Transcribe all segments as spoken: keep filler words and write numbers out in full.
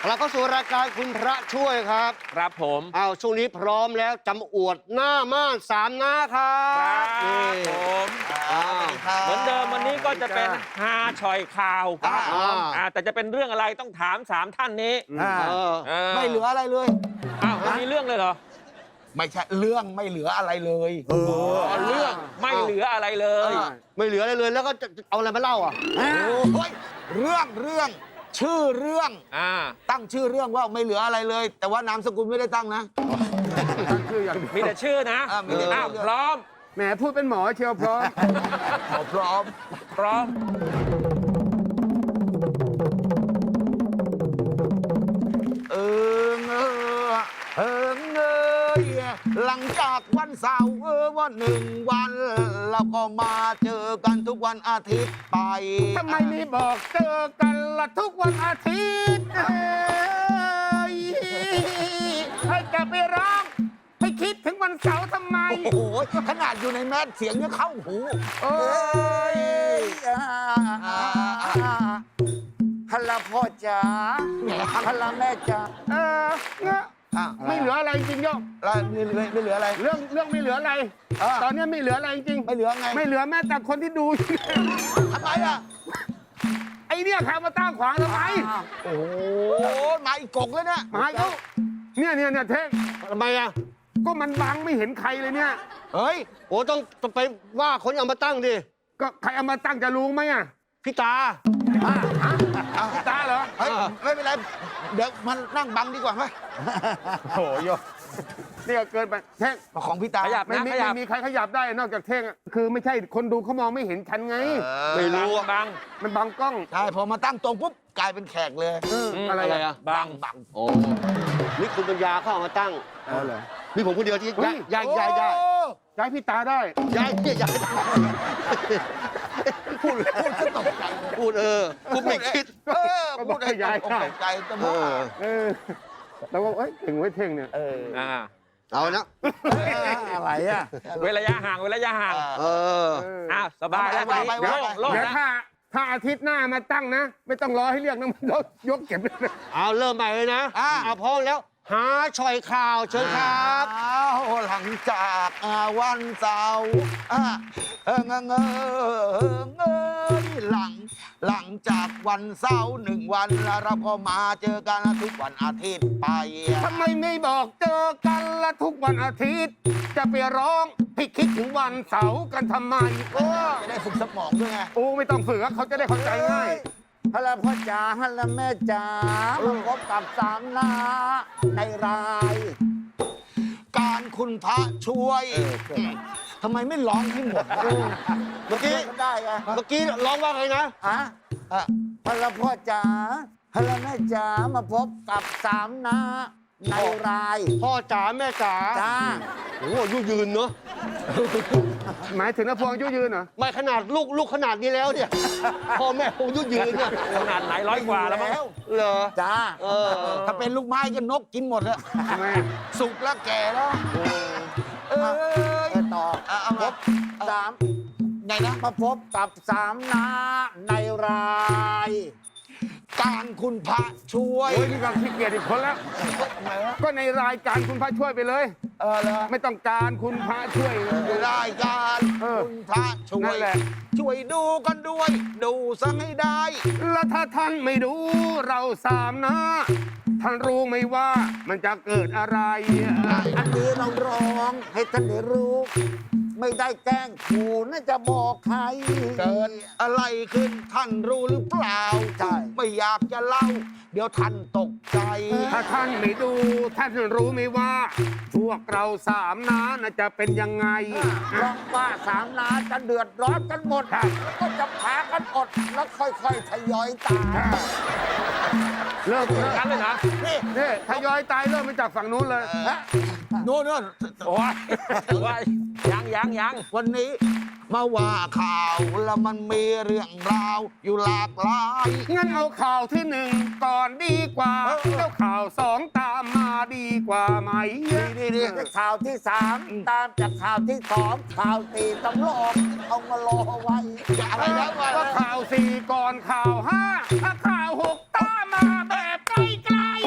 เราก็สู่รายการคุณพระช่วยครับครับผมเอาช่วงนี้พร้อมแล้วจำอวดหน้าม่านสามหน้าครับครับผมเหมือนเดิมวันนี้ก็จะเป็นฮาชอยข่าวครับแต่จะเป็นเรื่องอะไรต้องถามสามท่านนี้ไม่เหลืออะไรเลยอ้าวมีเรื่องเลยเหรอไม่ใช่เรื่องไม่เหลืออะไรเลยเออเรื่องไม่เหลืออะไรเลยไม่เหลืออะไรเลยแล้วก็จะเอาอะไรมาเล่าอ่ะโอ้ยเรื่องเรื่องชื่อเรื่องอ่าตั้งชื่อเรื่องว่าไม่เหลืออะไรเลย แต่ว่านามสกุลไม่ได้ตั้งนะตั้งชื่ออย่างมีแต่ชื่อนะอ้าวพร้อมแหมพูดเป็นหมอเชียวพร้อมพร้อมพร้อมเออเงอเออเงยหลังจากวันเสาร์เออวันหนึ่งวันเราก็มาเจอกันทุกวันอาทิตย์ไปทำไมไม่บอกเจอกันละทุกวันอาทิตย์ให้จะไปร้องให้คิดถึงวันเสาร์ทำไมโอ้โหขนาดอยู่ในแมสเสียงยังเข้าหูโอ้ยฮัลโหลพ่อจ๋าฮัลโหลแม่จ๋าเออเนี่ยไม่เหลืออะไรจริงโยมไม่เหลือไม่เหลืออะไรเรื่องเรื่องไม่เหลืออะไรตอนนี้ไม่เหลืออะไรจริงไม่เหลือไงไม่เหลือแม้แต่คนที่ดูทำไมอ่ะไอเนี่ยใครมาตั้งขวางทำไมโอ้โหมาอีกกกแล้วเนี่ยมาเขาเนี่ยเนี่ยเนี่ยเท่งทำไมอ่ะก็มันบังไม่เห็นใครเลยเนี่ยเฮ้ยโอ้ต้องไปว่าคนเอามาตั้งดิก็ใครเอามาตั้งจะรู้ไหมอ่ะพี่ตาพี่ตาเหรอเฮ้ยไม่เป็นไรเดี๋ยวมันนั่งบังดีกว่าไหมโอ้โยนี่ก็เกินไปเท่งของพี่ตาขยับไม่มีไม่มีใครขยับได้นอกจากเท่งคือไม่ใช่คนดูเขามองไม่เห็นฉันไงไม่รู้บังมันบังกล้องใช่พอมาตั้งตรงปุ๊บกลายเป็นแขกเลยอะไรอ่ะบังบังโอ้นี่คุณปัญญาเข้ามาตั้งอ๋อเหรอมีผมคนเดียวที่ย้ายย้ายย้ายได้ย้ายพี่ตาได้ย้ายเนี่ยย้ายพูดพูดก็ตกใจพูดเออพูดไม่คิดเออพูดให้ย้ายตกใจตะโมเออแล้วก็เอ้ยถึงไว้เท่งเนี่ยเออเอานะอะไรอ่ะเว้นระยะห่างเว้นระยะห่างเอออ้าวสบายแล้วไปเดี๋ยวถ้าถ้าอาทิตย์หน้ามาตั้งนะไม่ต้องรอให้เรียกนะมันยกเก็บเลยเอาเริ่มใหม่เลยนะเอาพร้อมแล้วหาชอยข่าวเชิญครับเอาหลังจากวันเสาร์เออเงอเงอเงยหลังหลังจากวันเสาร์หนึ่งวันแล้วเราก็มาเจอกันทุกวันอาทิตย์ไปทำไมไม่บอกเจอกันละทุกวันอาทิตย์จะไปร้องให้คิดถึงวันเสาร์กันทำไมก็จะได้ฝึกสมองด้วยไงโอ้ไม่ต้องฝึกเขาจะได้เข้าใจง่ายฮัลโหลพ่อจ๋าฮัลโหลแม่จ๋ามาพบกับสามนาในรายการคุณพระช่วยทำไมไม่ร้องให้หมดเมื่อกี้ได้ไงเมื่อกี้ร้องว่าไงนะฮะฮัลโหลพ่อจ๋าฮัลโหลแม่จ๋ามาพบกับสามนาในรายพ่อจ๋าแม่จ๋าจ้าโอ้อายุยืนเนอะหมายถึงนภพงอายุยืนเหรอไม่ขนาดลูกลูกขนาดนี้แล้วเนี่ยพ่อแม่คงอายุยืนเนี่ยขนาดไหนร้อยกว่าแล้วมั้งเหรอจ้าถ้าเป็นลูกไม้ก็นกกินหมดแล้วทำไมสุกแล้วแก่แล้วเออต่อเอาพบสามไงนะมาพบกับสามนาในรายการคุณพระช่วยโอ้ยนี่ก็ขี้เกียจอีกคนแล้วก็ในรายการคุณพระช่วยไปเลยเออเลยไม่ต้องการคุณพระช่วยรายการคุณพระช่วยช่วยดูกันด้วยดูสังให้ได้แล้วถ้าท่านไม่ดูเราสามนะท่านรู้ไหมว่ามันจะเกิดอะไรอันนี้เราร้องให้ท่านได้รู้ไม่ได้แกล้งขู่น่าจะบอกใครเกิดอะไรขึ้นท่านรู้หรือเปล่าใช่ไม่อยากจะเล่าเดี๋ยวท่านตกใจถ้าท่านไม่ดูท่านรู้ไหมว่าพวกเราสามน้าน่าจะเป็นยังไงเพราะว่าสามน้าจะเดือดร้อนกันหมดก็จะพากันอดแล้วค่อยๆทยอยตายเลิกกันเลยนะนี่นี่ทยอยตายเริ่มมาจากฝั่งนู้นเลยโน่นโน่นโอ้ยว่ายังยังยังวันนี้มาว่าข่าวแล้วมันมีเรื่องราวอยู่หลากหลายงั้นเอาข่าวที่หนึ่งก่อนดีกว่าแล้วข่าวสองตามมาดีกว่าไหมดีดีข่าวที่สามตามจากข่าวที่สองข่าวตีตำรวจเอามารอไว้อะไรนะว่าข่าวสี่ก่อนข่าวห้าถ้าข่าวหกตามมาแบบใกล้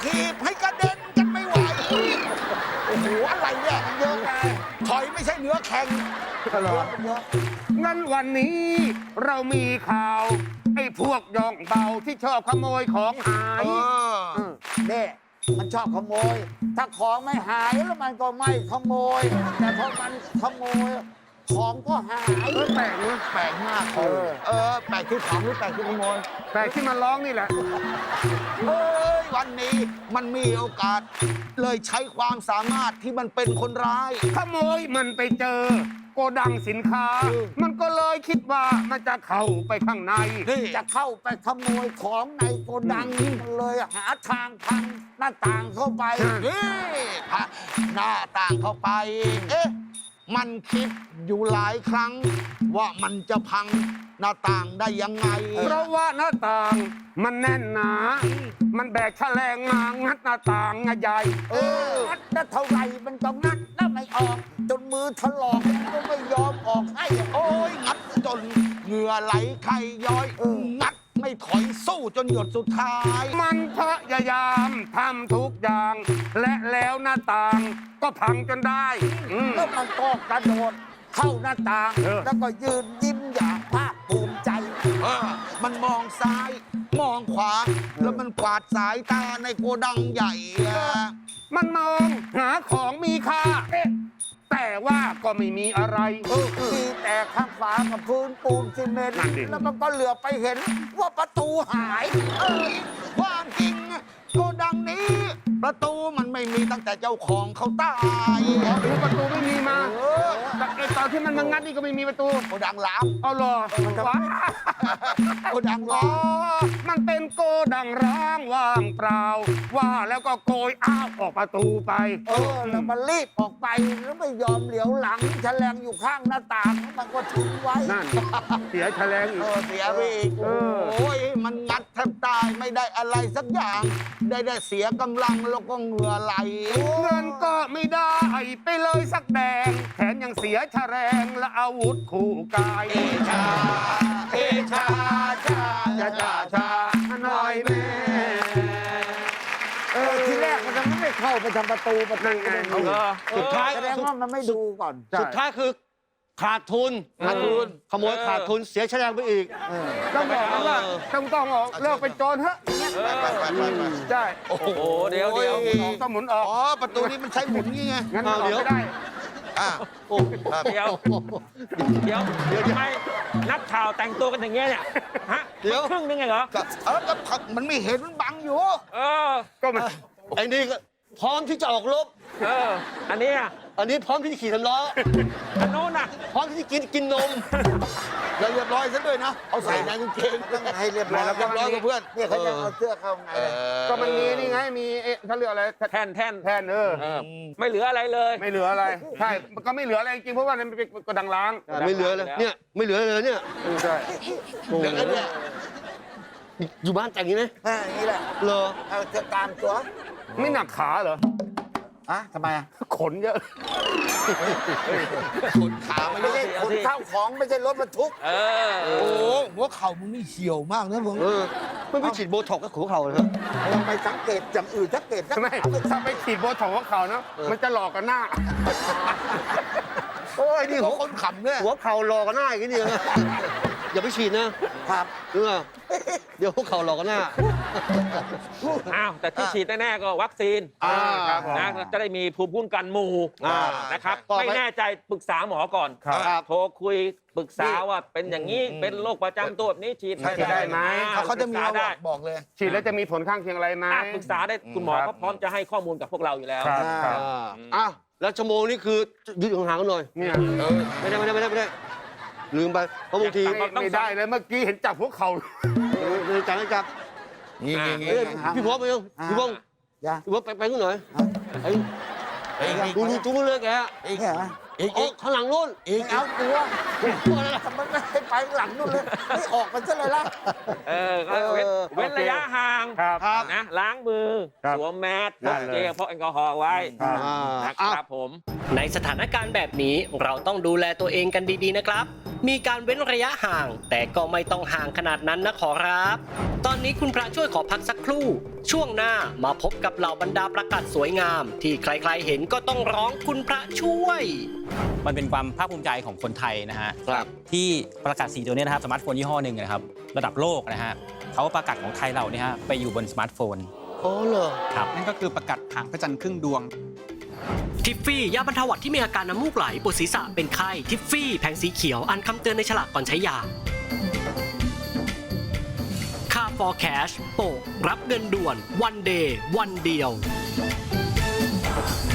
ถีบให้กระเด็นกันไม่ไหว โอ้โห อะไรเนี่ยมันเยอะไงถอยไม่ใช่เนื้อแข็งก็เหรอเยอะงั้นวันนี้เรามีข่าวไอ้พวกย่องเบาที่ชอบขโมยของหายเออเนี่ยมันชอบขโมย ถ้าของไม่หายแล้วมันก็ไม่ขโมย แต่พอมันขโมย ของก็หายเออแปลกเนอะแปลกมากเออเออ แปลกที่ของหรือแปลกที่ขโมยแปลกที่มันร้องนี่แหละเอ้ย วันนี้มันมีโอกาส เลยใช้ความสามารถที่มันเป็นคนร้ายขโมยมันไปเจอ โกดังสินค้า มันก็เลยคิดว่ามันจะเข้าไปข้างในนี่จะเข้าไปขโมยของในโกดังนี่มันเลยหาทางพังหน้าต่างเข้าไปนี่พระหน้าต่างเข้าไป เอ๊ะ มันคิดอยู่หลายครั้ง ว่ามันจะพังหน้าต่างได้ยังไงเพราะว่าหน้าต่างมันแน่นหนา มันแบกแฉลงมางัดหน้าต่างใหญ่เอองัดได้เท่าไหร่มันก็งัดแล้วไม่ออก จนมือถลอกมันก็ไม่ยอมออกให้โอ้ยงัดจนเหงื่อไหลไข่ย้อยเอองัดไม่ถอยสู้จนหยดสุดท้ายมันพยายามทำทุกอย่าง และแล้วหน้าต่างก็พังจนได้อืมแล้วมันก็กระโดดเข้าหน้าต่างเออแล้วก็ยืนยิ้มอย่างภาคภูมิใจเออ มันมองซ้าย มองขวา แล้วมันกวาดสายตาในโกดังใหญ่อะมันมองหาของมีค่าเอ๊ะแต่ว่าก็ไม่มีอะไรเออมีแต่ข้างฝากับพื้นปูนซีเมนต์นั่นดิแล้วมันก็เหลือไปเห็นว่าประตูหายเอ้ยความจริงโกดังนี้ ประตูมันไม่มีตั้งแต่เจ้าของเขาตายหรือประตูไม่มีมาเออแต่ไอ้ตอนที่มันมางัดนี่ก็ไม่มีประตูโกดังล้างเอาเหรอว้าโกดังอ๋ล้าอง มันเป็นโกดังร้างว่างเปล่า ว่าแล้วก็โกยอ้าวออกประตูไปเออแล้วมันรีบออกไปแล้วไม่ยอมเหลียวหลังแฉลงอยู่ข้างหน้าต่างมันก็ทิ้งไว้นั่น เสียแฉลงอีเอก อเสียไปอีกเออโอ้ยมันงัดแทบตายไม่ได้อะไรสักอย่าง ได้ได้เสียกำลังแล้วก็เหงื่อไหลเงินก็ไม่ได้ไปเลยสักแดง แถมยังเสียแฉลงและอาวุธคู่กายเอชา เอชาชาจะจ่าชาหน่อยแม่เออทีแรกมันจะไม่เข้าไปทำประตูประตูนั่นไงมันเออสุดท้ายแสดงว่ามันไม่ดูก่อนสุดท้ายคือขาดทุนขาดทุนขโมยขาดทุนเสียแฉลงไปอีกต้องบอกนะว่าต้องต้องออกเลิกเป็นโจรเถอะไปไปไปไปใช่โอ้โหโอ้เดี๋ยวเดี๋ยวโอ้ต้องหมุนออกอ๋อ ประตูนี้มันใช้หมุนงี้ไงงั้นมันออกเดี๋ยวไม่ได้อ่ะโอ้ครับเดี๋ยวเดี๋ยวทำไมนักข่าวแต่งตัวกันอย่างเงี้ยเนี่ยฮะเดี๋ยวครึ่งนึงไงเหรอก็เออก็มันไม่เห็นมันบังอยู่เออก็มันไอ้นี่ก็พร้อมที่จะออกรบเออ อันเนี้ยอันนี้พร้อมที่จะขี่สำล้ออันโน้นน่ะพร้อมที่จะกินกินนมแล้วเรียบร้อยซะด้วยนะ เอาใส่ในกางเกงต้องให้เรียบร้อยเรียบร้อยกับเพื่อนเนี่ยเขาจะเอาเสื้อเข้าไงเออก็มันมีนี่ไง มีเอ๊ะเขาเรียกอะไรแท่นแท่นแทนเออเออไม่เหลืออะไรเลยไม่เหลืออะไร ใช่ มันก็ไม่เหลืออะไรจริงๆเพราะว่ามันเป็นกระดังล้างไม่เหลือเลย เนี่ย ไม่เหลือเลยเนี่ยใช่โอ้โหเดี๋ยวนะเนี่ยอยู่บ้านแต่งนี้นะอ่าอย่างนี้แหละเหรอเอาเสื้อกลางตัวไม่หนักขาเหรออ่ะทำไมอ่ะขนเยอะขนขาไม่ไม่ได้ใช่ขนข้าวของไม่ใช่รถบรรทุกเออโอ้โหหัวเข่ามึงนี่เหี่ยวมากนะผมเออไม่ไปฉีดโบท็อกกับหัวเข่าเลยเหรอทำไมสังเกตอย่างอื่นสังเกตสักไม่ถ้าไปขีดโบท็อกซ์ของเขาเนาะเออมันจะหลอกกันหน้าโอ้ยนี่หัหัววคนขำเนี่ยหัวเข่าหลอกกันหน้าอย่างนี้เนี่ยอย่าไปฉีดนะครับ เออเดี๋ยวหัวเข่าหลอกกันหน้าอ้าวแต่ที่ฉีดแน่ๆก็วัคซีนอ่าครับผมนะจะได้มีภูมิคุ้มกันหมู่อ่านะครับต่อไปไม่แน่ใจปรึกษาหมอก่อนครับโทรคุยปรึกษาว่าเป็นอย่างนี้เป็นโรคประจำตัวแบบนี้ฉีดฉีดได้ไหมอ่เขาจะมีปรึกษมาบได้อกบอกเลยฉีดแล้วจะมีผลข้างเคียงอะไรไหมอ่ะปรึกษาได้คุณหมอครับเขาพร้อมจะให้ข้อมูลกับพวกเราอยู่แล้วครับครับอ่าอ้าวแล้วชั่วโมงนี้คือยืดห่างๆกันหน่อยเนี่ยไม่ได้ไม่ได้ไม่ได้ไม่ได้ลืมไปเพราะบางทีไม่ไม่ได้เลยเมื่อกี้เห็นจับพวกเขาเออจับไม่จับนี่นี่นี่เอ้ยพี่พร้อมไปยังพี่พร้อมอย่าพี่พร้อมไปไปกันหน่อยไอ้เอ้ยนี่ดูดูจุ้งเลยแกเนี่ยเหรออีกอีกข้างหลังนู่นอีกเอาตัวทำไมไม่ให้ไปหลังนู่นเลยไม่ออกมันซะเลยล่ะเออก็เว้นเออเว้นระยะห่างครับนะ ล้างมือครับสวมแมสพได้กเลยเจลพกแอลกอฮอล์ไว้ครับอ่านะครับผมในสถานการณ์แบบนี้เราต้องดูแลตัวเองกันดีๆนะครับ มีการเว้นระยะห่าง แต่ก็ไม่ต้องห่างขนาดนั้นนะขอรับ ตอนนี้คุณพระช่วยขอพักสักครู่ ช่วงหน้ามาพบกับเหล่าบรรดาประกาศสวยงาม ที่ใครๆเห็นก็ต้องร้องคุณพระช่วยมันเป็นความภาคภูมิใจของคนไทยนะฮะครับที่ประกาศสีตัวนี้นะครับสมาร์ทโฟนยี่ห้อหนึ่งนะครับระดับโลกนะฮะเขาประกาศของไทยเราเนี่ยฮะไปอยู่บนสมาร์ทโฟนโอ้เหรอครับนั่นก็คือประกาศหางพระจันทร์ครึ่งดวงทิฟฟี่ยาบรรเทาหวัดที่มีอาการน้ำมูกไหลปวดศีรษะเป็นไข้ทิฟฟี่แผงสีเขียวอ่านคำเตือนในฉลากก่อนใช้ยาค่า for cash โปะรับเงินด่วนวันเดย์วันเดียว